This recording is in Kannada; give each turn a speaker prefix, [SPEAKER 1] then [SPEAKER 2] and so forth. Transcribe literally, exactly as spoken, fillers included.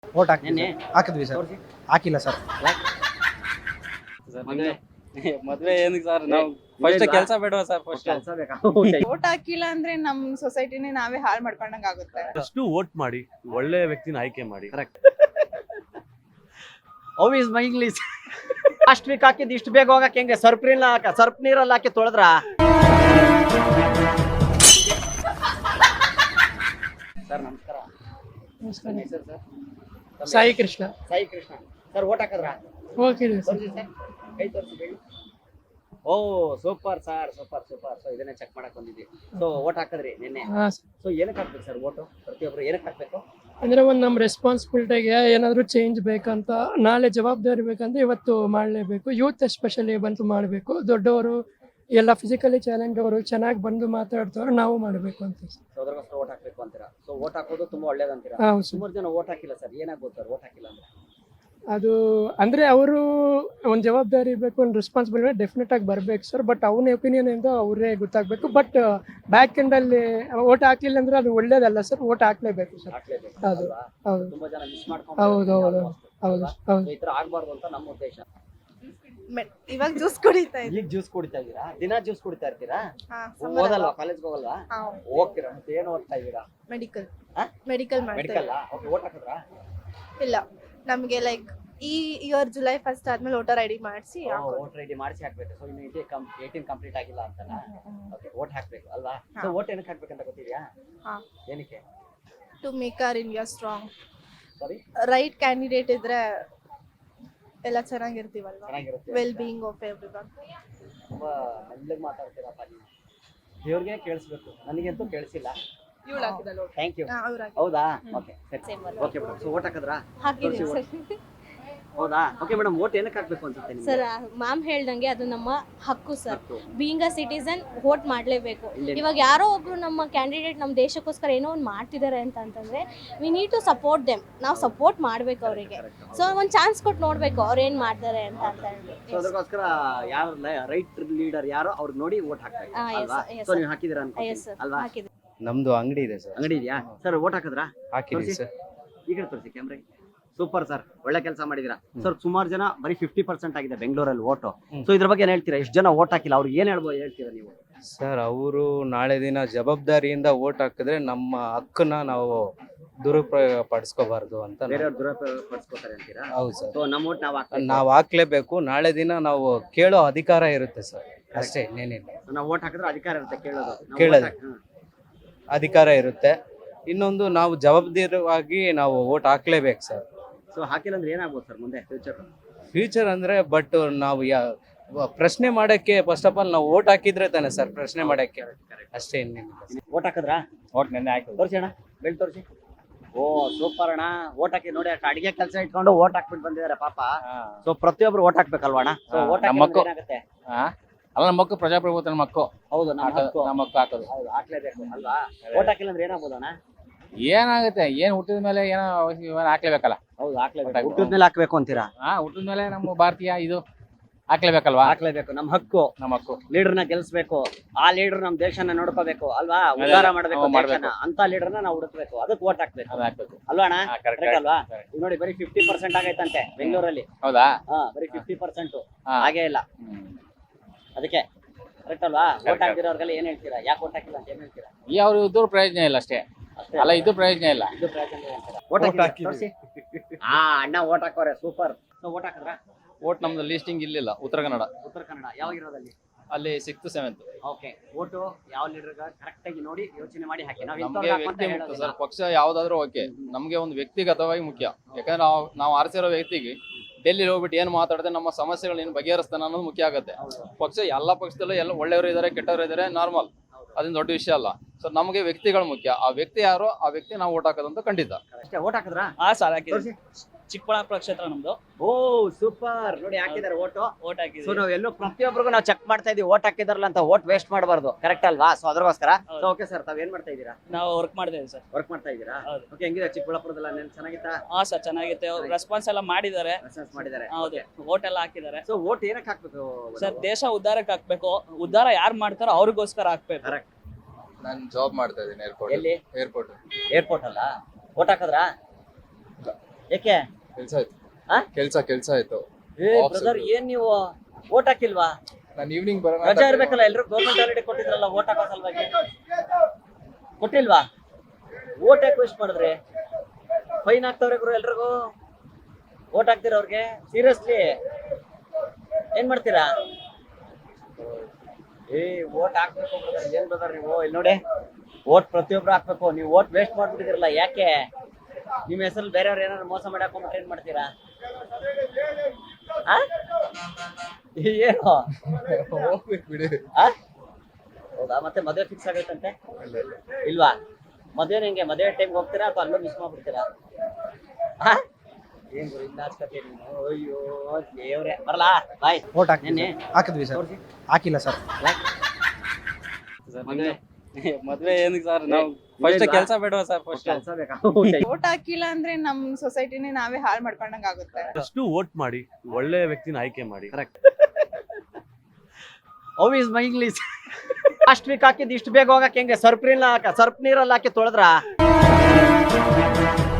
[SPEAKER 1] ಓಟ್ ಹಾಕ್ತೀನಿ ಹಾಕಿದ್ವಿ ಸರ್. ಹಾಕಿಲ್ಲ ಸರ್.
[SPEAKER 2] ಮದ್ವೆ ಏನಕ್ಕೆ ಸರ್? ನಾವು ಫಸ್ಟ್ ಕೆಲಸ ಬೇಡವಾ ಸರ್? ಫಸ್ಟ್
[SPEAKER 1] ಕೆಲಸ ಬೇಕಾ?
[SPEAKER 3] ವೋಟ್ ಹಾಕಿಲ್ಲ ಅಂದ್ರೆ ನಮ್ ಸೊಸೈಟಿನೇ ನಾವೇ ಹಾಳು ಮಾಡ್ಕೊಂಡಂಗ ಆಗುತ್ತೆ.
[SPEAKER 4] ಅಷ್ಟು ವೋಟ್ ಮಾಡಿ ಒಳ್ಳೆ ವ್ಯಕ್ತಿನ ಆಯ್ಕೆ ಮಾಡಿ.
[SPEAKER 1] Correct. How is my English? Last week ಹಾಕಿದ್ದು ಇಷ್ಟು ಬೇಗ ಹೋಗಕ್ಕೆ ಹೆಂಗೆ? ಸರ್ಪ್ ನೀರಲ್ಲಿ ಹಾಕ ಸರ್ಪ್ ನೀರಲ್ಲಿ ಹಾಕಿ ತೊಳೆದ್ರ. ಸರ್ ನಮಸ್ಕಾರ. ಹೆಸರು sir?
[SPEAKER 5] Sai Krishna.
[SPEAKER 1] Sai Krishna sir. Vote ಹಾಕಿದ್ರ?
[SPEAKER 5] ಹೋಗಿದ್ವಿ ಸರ್.
[SPEAKER 1] ತೋರಿಸಿ ಸರ್, ಕೈ ತೋರಿಸಿ ಹೇಳಿ. Oh super sir, super super. So ಇದನ್ನೇ ಚೆಕ್ ಮಾಡಕ್ ಬಂದಿದ್ವಿ. ಸೊ ಓಟ್ ಹಾಕಿದ್ರಿ ನಿನ್ನೆ.
[SPEAKER 5] ಹಾ
[SPEAKER 1] ಸೊ ಏನಕ್ಕೆ ಹಾಕ್ಬೇಕು ಸರ್ ಓಟು? ಪ್ರತಿಯೊಬ್ರು ಏನಕ್ಕೆ ಹಾಕ್ಬೇಕು?
[SPEAKER 5] ಅಂದ್ರೆ ಒಂದು ನಮ್ಮ ರೆಸ್ಪಾನ್ಸಿಬಿಲಿಟಿಗೆ ಏನಾದರೂ ಚೇಂಜ್ ಬೇಕಂತ, ನಾಳೆ ಜವಾಬ್ದಾರಿ ಬೇಕಂದ್ರೆ ಇವತ್ತು ಮಾಡಲೇಬೇಕು. ಯೂತ್ ಎಸ್ಪೆಷಲಿ ಬಂದು ಮಾಡಬೇಕು. ದೊಡ್ಡವರು ಎಲ್ಲ ಫಿಸಿಕಲಿ ಚಾಲೆಂಜ್ ಅವರು ಚೆನ್ನಾಗಿ ಬಂದು ಮಾತಾಡ್ತಾರೋ ನಾವು ಮಾಡಬೇಕು ಅಂತ.
[SPEAKER 1] ಸೊ ಅದ್ರಗೋಸ್ಕರ ಓಟ್ ಹಾಕ್ಬೇಕು ಅಂತೀರಾ? ಸೊ ಓಟ್ ಹಾಕೋದು ತುಂಬಾ ಒಳ್ಳೇದಂತೀರಾ?
[SPEAKER 5] ಹೌದು ಸರ್.
[SPEAKER 1] ಸುಮಾರು ಜನ ಓಟ್ ಹಾಕಿಲ್ಲ ಸರ್. ಏನಾಗ್ಬೋದು ಸರ್ ಓಟ್ ಹಾಕಿಲ್ಲ ಅಂದ್ರೆ?
[SPEAKER 5] ಅದು ಅಂದರೆ ಅವರು ಒಂದು ಜವಾಬ್ದಾರಿ ಇರಬೇಕು, ಒಂದು ರೆಸ್ಪಾನ್ಸಿಬಿಲಿಟಿ ಡೆಫಿನೆಟ್ ಆಗಿ ಬರಬೇಕು ಸರ್. ಬಟ್ ಅವನ ಒಪಿನಿಯನ್ ಇಂದ ಅವರೇ ಗೊತ್ತಾಗಬೇಕು. ಬಟ್ ಬ್ಯಾಕ್ ಎಂಡಲ್ಲಿ ಓಟ್ ಹಾಕ್ಲಿಲ್ಲ ಅಂದ್ರೆ ಅದು ಒಳ್ಳೇದಲ್ಲ ಸರ್. ಓಟ್ ಹಾಕ್ಲೇಬೇಕು ಸರ್.
[SPEAKER 1] ಹಾಕ್ಲೇಬೇಕು.
[SPEAKER 5] ಹೌದು
[SPEAKER 1] ಅಲ್ವಾ?
[SPEAKER 5] ಹೌದು
[SPEAKER 1] ತುಂಬಾ ಜನ ಮಿಸ್
[SPEAKER 5] ಹೌದು
[SPEAKER 1] ಮಾಡ್ಕೊಂಡು
[SPEAKER 5] ಹೌದು ಹೌದು ಹೌದು.
[SPEAKER 1] ಈ ತರ ಆಗ್ಬಾರ್ದು ಅಂತ ನಮ್ಮ ಉದ್ದೇಶ.
[SPEAKER 3] ಇವಾಗ ಜ್ಯೂಸ್ ಕುಡಿತಾ ಇದ್ದೆ.
[SPEAKER 1] ಈಗ ಜ್ಯೂಸ್ ಕುಡಿತಾ ಇದ್ದೀರಾ? ದಿನ ಜ್ಯೂಸ್ ಕುಡಿತಾ ಇರ್ತೀರಾ?
[SPEAKER 3] ಹಾ,
[SPEAKER 1] ಓದಲ್ವಾ? ಕಾಲೇಜ್ಗೆ ಹೋಗಲ್ವಾ? ಹೋಗ್ತೀರಾ? ಮತ್ತೆ ಏನು ಓದ್ತಾ ಇದ್ದೀರಾ?
[SPEAKER 3] ಮೆಡಿಕಲ್
[SPEAKER 1] ಹಾ?
[SPEAKER 3] ಮೆಡಿಕಲ್ ಮಾಡ್ತಾ
[SPEAKER 1] ಮೆಡಿಕಲ್. ಓಕೆ. ಓಟ್ ಹಾಕಿದ್ರಾ?
[SPEAKER 3] ಇಲ್ಲ, ನಮ್ಗೆ ಲೈಕ್ ಈ ಇಯರ್ ಜುಲೈ ಫಸ್ಟ್ ಆದ್ಮೇಲೆ ವೋಟರ್ ಐ ಡಿ ಮಾಡಿಸಿ
[SPEAKER 1] ವೋಟ್ ರೆಡಿ ಮಾಡಿಸಿ ಹಾಕ್ಬೇಕು. ಸೊ ಇನ್ನು ಇದೇ ಏಟೀನ್ ಕಂಪ್ಲೀಟ್ ಆಗಿಲ್ಲ ಅಂತನಾ? ಓಕೆ. ವೋಟ್ ಹಾಕ್ಬೇಕು ಅಲ್ವಾ? ಸೊ ವೋಟ್ ಏನಕ್ಕೆ ಹಾಕ್ಬೇಕಂತ ಗೊತ್ತಿದ್ಯಾ? ಏನಕ್ಕೆ?
[SPEAKER 3] To make our India strong.
[SPEAKER 1] Sorry,
[SPEAKER 3] right candidate ಇದ್ರೆ ಎಲ್ಲ ಚೆನ್ನಾಗಿರ್ತೀವಲ್ವಾ?
[SPEAKER 1] ಚೆನ್ನಾಗಿರುತ್ತೆ.
[SPEAKER 3] Well being of everyone.
[SPEAKER 1] ತುಂಬಾ ಮೆಲ್ಲಗೆ ಮಾತಾಡ್ತೀರಪ್ಪ ನೀವು. ದೇವ್ರಿಗೆ ಕೇಳಿಸ್ಬೇಕು, ನನಗಂತೂ ಕೇಳಿಸಿಲ್ಲ.
[SPEAKER 3] ಇವಳು ಹಾಕಿದಲ್ಲ.
[SPEAKER 1] Thank you.
[SPEAKER 3] ಅವ್ರಾಗಿ
[SPEAKER 1] ಹೌದಾ? ಓಕೆ ಸರಿ. Okay madam. ಸೊ ಓಟ್ ಹಾಕಿದ್ರಾ?
[SPEAKER 6] ಹಾಕಿದೀವಿ
[SPEAKER 1] ತೋರ್ಸಿ
[SPEAKER 6] ಸರ್.
[SPEAKER 1] ಹೌದಾ? Okay madam. ಓಟ್ ಏನಕ್ಕೆ ಹಾಕ್ಬೇಕು ಅನ್ಸುತ್ತೆ ನಿಮ್ಗೆ?
[SPEAKER 6] ಸರ್ ಮ್ಯಾಮ್ ಹೇಳ್ದಂಗೆ ಅದು ನಮ್ಮ ಹಕ್ಕು ಸರ್.
[SPEAKER 1] ಹಕ್ಕು.
[SPEAKER 6] ಬೀಯಿಂಗ್ ಅ ಸಿಟಿಸನ್ ವೋಟ್ ಮಾಡಲೇಬೇಕು.
[SPEAKER 1] ಇಲ್ಲಿ-
[SPEAKER 6] ಇವಾಗ ಯಾರೋ ಒಬ್ರು ನಮ್ಮ ಕ್ಯಾಂಡಿಡೇಟ್ ನಮ್ಮ ದೇಶಕ್ಕೋಸ್ಕರ ಏನೋ ಒಂದು ಮಾಡ್ತಿದ್ದಾರೆ ಅಂತ ಅಂತಂದ್ರೆ we need to support them. ನಾವು ಸಪೋರ್ಟ್ ಮಾಡ್ಬೇಕು ಅವರಿಗೆ. ಸೊ ಒಂದು ಚಾನ್ಸ್ ಕೊಟ್ಟು ನೋಡ್ಬೇಕು ಅವ್ರು ಏನ್ ಮಾಡ್ತಾರೆ ಅಂತ ಅಂತ
[SPEAKER 1] ಸೊ
[SPEAKER 6] ಹೇಳ್ಬಿಟ್ಟು.
[SPEAKER 1] ಅದಕ್ಕೋಸ್ಕರ ಯಾರು ರೈಟ್ ಲೀಡರ್ ಯಾರೋ ಅವ್ರಿಗೆ ನೋಡಿ ವೋಟ್ ಹಾಕ್ಬೇಕು
[SPEAKER 6] ಹಾ, yes,
[SPEAKER 1] ಅಲ್ವಾ?
[SPEAKER 6] yes,
[SPEAKER 1] so
[SPEAKER 6] sir.
[SPEAKER 1] ನೀವು ಹಾಕಿದಿರಾ
[SPEAKER 6] ಎಸ್
[SPEAKER 1] ಅನ್ಕೊಂತೀನಿ
[SPEAKER 6] ಸರ್
[SPEAKER 1] ಅಲ್ವಾ?
[SPEAKER 6] ಹಾಕಿದ್ವಿ.
[SPEAKER 2] ನಮ್ದು ಅಂಗಡಿ ಇದೆ ಸರ್.
[SPEAKER 1] ಅಂಗಡಿ ಇದೆಯಾ ಸರ್? ವೋಟ್ ಹಾಕಿದ್ರಾ?
[SPEAKER 2] ಹಾಕಿದ್ವಿ
[SPEAKER 1] ತೋರ್ಸಿ.
[SPEAKER 2] ಸರ್.
[SPEAKER 1] ಈ ಕಡೆ ತೋರಿಸಿ ಕ್ಯಾಮ್ರಾಗೆ. ಸೂಪರ್ ಸರ್, ಒಳ್ಳೆ ಕೆಲಸ ಮಾಡಿದಿರಾ ಸರ್. ಸುಮಾರು ಜನ ಬರೀ ಫಿಫ್ಟಿ ಪರ್ಸೆಂಟ್ ಆಗಿದೆ ಬೆಂಗಳೂರಲ್ಲಿ ಓಟು. ಸೊ ಇದ್ರ ಬಗ್ಗೆ ಏನ್ ಹೇಳ್ತೀರಾ? ಎಷ್ಟು ಜನ ಓಟ್ ಹಾಕಿಲ್ಲ, ಅವ್ರಿಗೆ ಏನ್ ಹೇಳ್ಬೋದು ಹೇಳ್ತೀರಾ ನೀವು?
[SPEAKER 2] ಸರ್ ಅವರು ನಾಳೆ ದಿನ ಜವಾಬ್ದಾರಿಯಿಂದ ವೋಟ್ ಹಾಕಿದ್ರೆ ನಮ್ಮ ಹಕ್ಕನ್ನ ನಾವು ದುರುಪಯೋಗ ಪಡಿಸ್ಕೋಬಾರ್ದು ಅಂತ ನಾವು-
[SPEAKER 1] ಬೇರೆಯವ್ರು ದುರುಪಯೋಗ ಪಡಿಸ್ಕೊತಾರೆ ಅಂತೀರಾ?
[SPEAKER 2] ಹೌದು ಸರ್.
[SPEAKER 1] ಸೊ ನಮ್ಮ ಓಟ್ ನಾವು ಹಾಕ್ಬೇಕು.
[SPEAKER 2] ನಾವು ಹಾಕ್ಲೇಬೇಕು. ನಾಳೆ ದಿನ ನಾವು ಕೇಳೋ ಅಧಿಕಾರ ಇರುತ್ತೆ ಸರ್. ಅಷ್ಟೇ, ಇನ್ನೇನಿಲ್ಲ.
[SPEAKER 1] ನಾವು ಓಟ್ ಹಾಕಿದ್ರೆ ಅಧಿಕಾರ ಇರುತ್ತೆ ಕೇಳೋದು. ನಾವು
[SPEAKER 2] ಕೇಳೋದು.
[SPEAKER 1] vote ಹಾಕಿ- ಹ್ಮ್.
[SPEAKER 2] ಅಧಿಕಾರ ಇರುತ್ತೆ. ಇನ್ನೊಂದು ನಾವು ಜವಾಬ್ದಾರಿಯಾಗಿ ನಾವು ವೋಟ್ ಹಾಕ್ಲೇಬೇಕು ಸರ್.
[SPEAKER 1] ಸೊ ಹಾಕಿಲ್ಲ ಅಂದ್ರೆ ಏನಾಗ್ಬೋದು ಸರ್ ಮುಂದೆ ಫ್ಯೂಚರ್?
[SPEAKER 2] ಫ್ಯೂಚರ್ ಅಂದ್ರೆ ಬಟ್ ನಾವು ಯಾ ಪ್ರಶ್ನೆ ಮಾಡಕ್ಕೆ ಫಸ್ಟ್ ಆಫ್ ಆಲ್ ನಾವು ವೋಟ್ ಹಾಕಿದ್ರೆ ತಾನೆ ಸರ್ ಪ್ರಶ್ನೆ ಮಾಡಕ್ಕೆ. ಅಷ್ಟೇ, ಇನ್ನೇನಿಲ್ಲ.
[SPEAKER 1] ಓಟ್ ಹಾಕಿದ್ರಾ?
[SPEAKER 2] ವೋಟ್ ನೆನ್ನೆ ಹಾಕಿದ್ವಿ.
[SPEAKER 1] ತೋರಿಸಿ ಅಣ್ಣ, ಬೆಳ್ ತೋರಿಸಿ. ಓ ಸೂಪರ್ ಅಣ್ಣ. ಓಟ್ ಹಾಕಿ ನೋಡಿ, ಅಷ್ಟು ಅಡಿಗೆ ಕೆಲಸ ಇಟ್ಕೊಂಡು ಓಟ್ ಹಾಕ್ಬಿಟ್ಟು ಬಂದಿದ್ದಾರೆ ಪಾಪ. ಸೊ ಪ್ರತಿಯೊಬ್ರು ಓಟ್ ಹಾಕ್ಬೇಕಲ್ವಾ ಅಣ್ಣ? ಸೊ ಓಟ್
[SPEAKER 7] ನಮ್ಮ ಮಕ್ಕಳು.
[SPEAKER 1] ಏನಾಗುತ್ತೆ?
[SPEAKER 7] ಅಲ್ಲ ನಮ್ಮ ಮಕ್ಕಳು ಪ್ರಜಾಪ್ರಭುತ್ವ ನಮ್ಮ ಮಕ್ಕಳು
[SPEAKER 1] ಹೌದು, ನಮ್ಮ ಹಕ್ಕು.
[SPEAKER 7] ನಮ್ಮ ಮಕ್ಕಳು ಹಾಕೋದು.
[SPEAKER 1] ಹೌದು, ಹಾಕ್ಲೇಬೇಕು ಅಲ್ವಾ? ಓಟ್ ಹಾಕಿಲ್ಲ ಅಂದ್ರೆ ಏನಾಗ್ಬೋದು ಅಣ್ಣ?
[SPEAKER 7] ಏನಾಗುತ್ತೆ? ಏನ್ ಹುಟ್ಟಿದ ಮೇಲೆ ಏನೋ ಇವನ್ ಹಾಕ್ಲೇಬೇಕಲ್ಲ.
[SPEAKER 1] ಹೌದು, ಹಾಕ್ಲೇಬೇಕು.
[SPEAKER 7] ಹಾಕ್ಬೇಕು.
[SPEAKER 1] ಹುಟ್ಟಿದ ಮೇಲೆ ಹಾಕ್ಬೇಕು ಅಂತೀರಾ?
[SPEAKER 7] ಹಾ, ಹುಟ್ಟಿದ ಮೇಲೆ ನಮ್ಮ ಭಾರತೀಯ ಇದು ಹಾಕ್ಲೇಬೇಕಲ್ವಾ?
[SPEAKER 1] ಹಾಕ್ಲೇಬೇಕು. ನಮ್ಮ ಹಕ್ಕು.
[SPEAKER 7] ನಮ್ಮ ಮಕ್ಕಳು
[SPEAKER 1] ಲೀಡರ್ನ ಗೆಲ್ಸ್ಬೇಕು. ಆ ಲೀಡರ್ ನಮ್ ದೇಶನ ನೋಡ್ಕೋಬೇಕು ಅಲ್ವಾ? ಉದ್ಧಾರ ಮಾಡ್ಬೇಕು
[SPEAKER 7] ಹ್ಮ್, ಮಾಡ್ಬೇಕು.
[SPEAKER 1] ದೇಶನ. ಅಂತ ಲೀಡರ್ನ ನಾವು ಹುಡುಕ್ಬೇಕು. ಅದಕ್ಕೆ ಓಟ್ ಹಾಕ್ಬೇಕು
[SPEAKER 7] ಅದು ಹಾಕ್ಬೇಕು.
[SPEAKER 1] ಅಲ್ವಾ ಅಣ್ಣ?
[SPEAKER 7] ಹಾ, correct,
[SPEAKER 1] Correct ಅಲ್ವಾ?
[SPEAKER 7] correct.
[SPEAKER 1] ಈಗ ನೋಡಿ, ಬರೀ ಫಿಫ್ಟಿ ಪರ್ಸೆಂಟ್ ಆಗೈತಂತೆ ಬೆಂಗಳೂರಲ್ಲಿ.
[SPEAKER 7] ಹೌದಾ?
[SPEAKER 1] ಹಾ, ಬರೀ ಫಿಫ್ಟಿ ಪರ್ಸೆಂಟ್
[SPEAKER 7] ಹಾ.
[SPEAKER 1] ಹಾಗೇ ಇಲ್ಲ.
[SPEAKER 7] ಹ್ಮ್.
[SPEAKER 1] ಅದಕ್ಕೆ ಕರೆಕ್ಟ್ ಅಲ್ವಾ? Vote
[SPEAKER 7] Correct.
[SPEAKER 1] ಹಾಕ್ದಿರೋರ್ಗೆಲ್ಲ ಏನ್ ಹೇಳ್ತೀರಾ? ಯಾಕೆ ಓಟ್ ಹಾಕಿಲ್ಲ ಅಂತ ಏನ್ ಹೇಳ್ತೀರಾ?
[SPEAKER 7] ಈ ಅವ್ರು ಇದ್ದು ಪ್ರಯೋಜನ ಇಲ್ಲ ಅಷ್ಟೇ.
[SPEAKER 1] ಅಷ್ಟೇ
[SPEAKER 7] ಅಲ್ಲ, ಇದು ಪ್ರಯೋಜನ ಇಲ್ಲ.
[SPEAKER 1] ಇದು ಪ್ರಯೋಜನ ಇಲ್ಲ ಅಂತೀರಾ? ಓಟ್ ಹಾಕಿ ತೋರಿಸಿ. ಹಾ, ಅಣ್ಣ ಓಟ್ ಹಾಕೋರೆ ಸೂಪರ್. ಓಟ್ ಹಾಕಿದ್ರಾ?
[SPEAKER 8] ಓಟ್ ನಮ್ದು ಲಿಸ್ಟಿಂಗ್ ಇಲ್ಲಿಲ್ಲ. ಉತ್ತರ ಕನ್ನಡ
[SPEAKER 1] ಉತ್ತರ ಕನ್ನಡ. ಯಾವ ಇರೋದಲ್ಲಿ?
[SPEAKER 8] ಅಲ್ಲಿ ಸಿಕ್ಸ್ತ್ ಸೆವೆಂತ್.
[SPEAKER 1] ಓಕೆ. ಓಟು ಯಾವ ಲೀಡರ್ ಕರೆಕ್ಟ್ ಆಗಿ ನೋಡಿ ಯೋಚನೆ ಮಾಡಿ ಹಾಕಿ. ನಾವು
[SPEAKER 8] ನಮ್ಗೆ
[SPEAKER 1] ಇಂಥವ್ರ್ನ
[SPEAKER 8] ವ್ಯಕ್ತಿ
[SPEAKER 1] ಹಾಕು ಅಂತ
[SPEAKER 8] ಮುಖ್ಯ
[SPEAKER 1] ಹೇಳೋದಿಲ್ಲ.
[SPEAKER 8] ಸರ್. ಪಕ್ಷ ಯಾವ್ದಾದ್ರು ಓಕೆ, ನಮ್ಗೆ ಒಂದು ವ್ಯಕ್ತಿಗತವಾಗಿ ಮುಖ್ಯ. ಯಾಕಂದ್ರೆ ನಾವು ನಾವು ಆರಿಸಿರೋ ವ್ಯಕ್ತಿಗೆ ಡೆಲ್ಲಿ ಹೋಗ್ಬಿಟ್ಟು ಏನ್ ಮಾತಾಡಿದ್ರೆ ನಮ್ಮ ಸಮಸ್ಯೆಗಳು ಏನು ಬಗೆಹರಿಸ್ತಾನೆ ಅನ್ನೋದು ಮುಖ್ಯ ಆಗುತ್ತೆ. ಪಕ್ಷ ಎಲ್ಲ ಪಕ್ಷದಲ್ಲೂ ಎಲ್ಲ ಒಳ್ಳೆಯವರು ಇದ್ದಾರೆ, ಕೆಟ್ಟವರು ಇದ್ದಾರೆ, ನಾರ್ಮಲ್. ಅದೇನು ದೊಡ್ಡ ವಿಷಯ ಅಲ್ಲ. ಸೊ ನಮಗೆ ವ್ಯಕ್ತಿಗಳು ಮುಖ್ಯ. ಆ ವ್ಯಕ್ತಿ ಯಾರೋ ಆ ವ್ಯಕ್ತಿ ನಾವು ಓಟ್ ಹಾಕೋದಂತ ಖಂಡಿತ.
[SPEAKER 1] ಅಷ್ಟೇ. ಓಟ್ ಹಾಕಿದ್ರಾ?
[SPEAKER 9] ಹಾ ಸರ್ ಹಾಕಿದ್ವಿ.
[SPEAKER 1] ತೋರಿಸಿ.
[SPEAKER 9] ಚಿಕ್ಕಬಳ್ಳಾಪುರ ಕ್ಷೇತ್ರ ನಮ್ದು.
[SPEAKER 1] Oh super. ನೋಡಿ ಹಾಕಿದ್ದಾರೆ ಓಟು.
[SPEAKER 9] ಓಟ್
[SPEAKER 1] ಸೊ
[SPEAKER 9] ಹಾಕಿದ್ವಿ.
[SPEAKER 1] ನಾವು ಎಲ್ಲೋ ಪ್ರತಿಯೊಬ್ಬರಿಗೂ ನಾವು ಚೆಕ್ ಮಾಡ್ತಾ ಇದೀವಿ ಓಟ್ ಹಾಕಿದಾರಲ್ಲ ಅಂತ. ಓಟ್ ವೇಸ್ಟ್ ಮಾಡಬಾರ್ದು. ಕರೆಕ್ಟ್ ಅಲ್ವಾ? ಸೊ ಅದ್ರಗೋಸ್ಕರ.
[SPEAKER 9] ಹೌದು.
[SPEAKER 1] ಓಕೆ ಸರ್, ತಾವ್ ಏನ್ ಮಾಡ್ತಾ ಇದ್ದೀರಾ?
[SPEAKER 9] ನಾವು ವರ್ಕ್ ಮಾಡಿದ್ದೇವೆ ಸರ್.
[SPEAKER 1] ವರ್ಕ್ ಮಾಡ್ತಾ ಇದ್ದೀರಾ?
[SPEAKER 9] ಹೌದು.
[SPEAKER 1] ಓಕೆ. ಹೆಂಗಿದೆ ಚಿಕ್ಕಬಳ್ಳಾಪುರದಲ್ಲ? ನೆನ್ ಚೆನ್ನಾಗಿತ್ತಾ?
[SPEAKER 9] ಹಾ ಸರ್ ಚೆನ್ನಾಗಿತ್ತು. ರೆಸ್ಪಾನ್ಸ್ ಎಲ್ಲ ಮಾಡಿದ್ದಾರೆ.
[SPEAKER 1] ರೆಸ್ಪಾನ್ಸ್ ಮಾಡಿದ್ದಾರೆ.
[SPEAKER 9] ಹೌದು, ಓಟ್ ಎಲ್ಲ ಹಾಕಿದ್ದಾರೆ.
[SPEAKER 1] ಸೊ ಓಟ್ ಏನಕ್ಕೆ ಹಾಕ್ಬೇಕು
[SPEAKER 9] ಸರ್ ದೇಶ ಉದ್ಧಾರಕ್ಕೆ ಹಾಕ್ಬೇಕು. ಉದ್ಧಾರ ಯಾರು ಮಾಡ್ತಾರೋ ಅವ್ರಿಗೋಸ್ಕರ ಹಾಕ್ಬೇಕು.
[SPEAKER 1] ಕರೆಕ್ಟ್.
[SPEAKER 7] ನಾನು ಜಾಬ್ ಮಾಡ್ತಾ ಇದ್ದೀನಿ ಏರ್ಪೋರ್ಟ್.
[SPEAKER 1] ಎಲ್ಲಿ?
[SPEAKER 7] ಏರ್ಪೋರ್ಟ್.
[SPEAKER 1] ಏರ್ಪೋರ್ಟ್ ಅಲ್ಲ? ಓಟ್ ಹಾಕಿದ್ರಾ? ಏಕೆ
[SPEAKER 10] ಕೆಲ್ಸ ಆಯ್ತು
[SPEAKER 1] ಆ?
[SPEAKER 10] ಕೆಲ್ಸ ಕೆಲ್ಸ ಆಯ್ತು
[SPEAKER 1] ಏ
[SPEAKER 10] Off
[SPEAKER 1] ಬ್ರದರ್
[SPEAKER 10] ಸಿಕ್ತು.
[SPEAKER 1] ಏನ್ ನೀವು ಓಟ್ ಹಾಕಿಲ್ವಾ?
[SPEAKER 10] ನಾನು ಈವ್ನಿಂಗ್ ಬರೋಣ
[SPEAKER 1] ರಜಾ ಇರ್ಬೇಕಲ್ಲ, ಎಲ್ರು ಗೌರ್ಮೆಂಟ್ ಹಾಲಿಡೇ ಕೊಟ್ಟಿದ್ರಲ್ಲ ಓಟ್ ಹಾಕೋ ಸಲುವಾಗಿ. ಕೊಟ್ಟಿಲ್ವಾ? ಓಟ್ ಯಾಕೆ ವೇಸ್ಟ್ ಮಾಡಿದ್ರಿ? ಫೈನ್ ಹಾಕ್ತವ್ರೆ ಗುರು ಎಲ್ರಿಗೂ. ಓಟ್ ಹಾಕ್ತೀರ ಅವ್ರಿಗೆ? ಸೀರಿಯಸ್ಲಿ ಏನ್ ಮಾಡ್ತೀರಾ? ಏ ಓಟ್ ಹಾಕ್ಬೇಕು brother. ಏನ್ ಬ್ರದರ್ ನೀವು ಇಲ್ಲಿ ನೋಡಿ, ಓಟ್ ಪ್ರತಿಯೊಬ್ರು ಹಾಕ್ಬೇಕು. ನೀವು ಓಟ್ ವೇಸ್ಟ್ ಮಾಡ್ಬಿಟ್ಟಿದಿರಲ್ಲ, ಯಾಕೆ? ನಿಮ್ಮ ಹೆಸರಲ್ಲಿ ಬೇರೆಯವ್ರು ಏನಾದ್ರು ಮೋಸ ಮಾಡಿ ಹಾಕೊಂಡ್ಬಿಟ್ರೆ ಏನ್ ಮಾಡ್ತೀರಾ? ಆ? ಏನು
[SPEAKER 10] ಹೋಗ್ಬೇಕು ಬಿಡಿ.
[SPEAKER 1] ಆ? ಹೌದಾ? ಮತ್ತೆ ಮದುವೆ ಫಿಕ್ಸ್ ಆಗೈತಂತೆ ಇಲ್ವಾ? ಮದುವೆ ಹೆಂಗೆ? ಮದುವೆ ಟೈಮ್ಗೆ ಹೋಗ್ತೀರಾ ಅಥವಾ ಅಲ್ಲೂ ಮಿಸ್ ಮಾಡ್ಬಿಡ್ತೀರಾ? ಆ? ಏನ್ ಗುರು ಇಲ್ಲ ಅನ್ಸ್ಕತಿ ನೀನು? ಅಯ್ಯೋ ದೇವ್ರೆ, ಬರಲಾ ಬಾಯ್.
[SPEAKER 11] ಓಟ್
[SPEAKER 1] ನೆನ್ನೆ
[SPEAKER 11] ಹಾಕಿದ್ವಿ ಸರ್,
[SPEAKER 1] ತೋರ್ಸಿ.
[SPEAKER 11] ಹಾಕಿಲ್ಲ ಸರ್.
[SPEAKER 1] ಮದುವೆ
[SPEAKER 2] ಮದ್ವೆ ಏನಕ್ಕೆ ಸರ್ ನಾವು ಫಸ್ಟ್ ಕೆಲಸ ಬೇಡವಾ ಸರ್ ಫಸ್ಟ್
[SPEAKER 1] ಕೆಲ್ಸ ಬೇಕಾ?
[SPEAKER 3] ಓಟ್ ಹಾಕಿಲ್ಲ ಅಂದ್ರೆ ನಮ್ ಸೊಸೈಟಿನೇ ನಾವೇ ಹಾಳು ಮಾಡ್ಕೊಂಡಂಗ್ ಆಗುತ್ತೆ.
[SPEAKER 4] ಅಷ್ಟು ವೋಟ್ ಮಾಡಿ ಒಳ್ಳೆ ವ್ಯಕ್ತಿನ ಆಯ್ಕೆ ಮಾಡಿ.
[SPEAKER 1] Correct. How is my English? Last week ಹಾಕಿದ್ದು ಇಷ್ಟು ಬೇಗ ಹೋಗಕ್ಕೆ ಹೆಂಗೆ? ಸರ್ಪ್ ನೀರಲ್ಲಿ ಹಾಕಿ ಸರ್ಪ್ ನೀರಲ್ಲಿ ಹಾಕಿ ತೊಳೆದ್ರ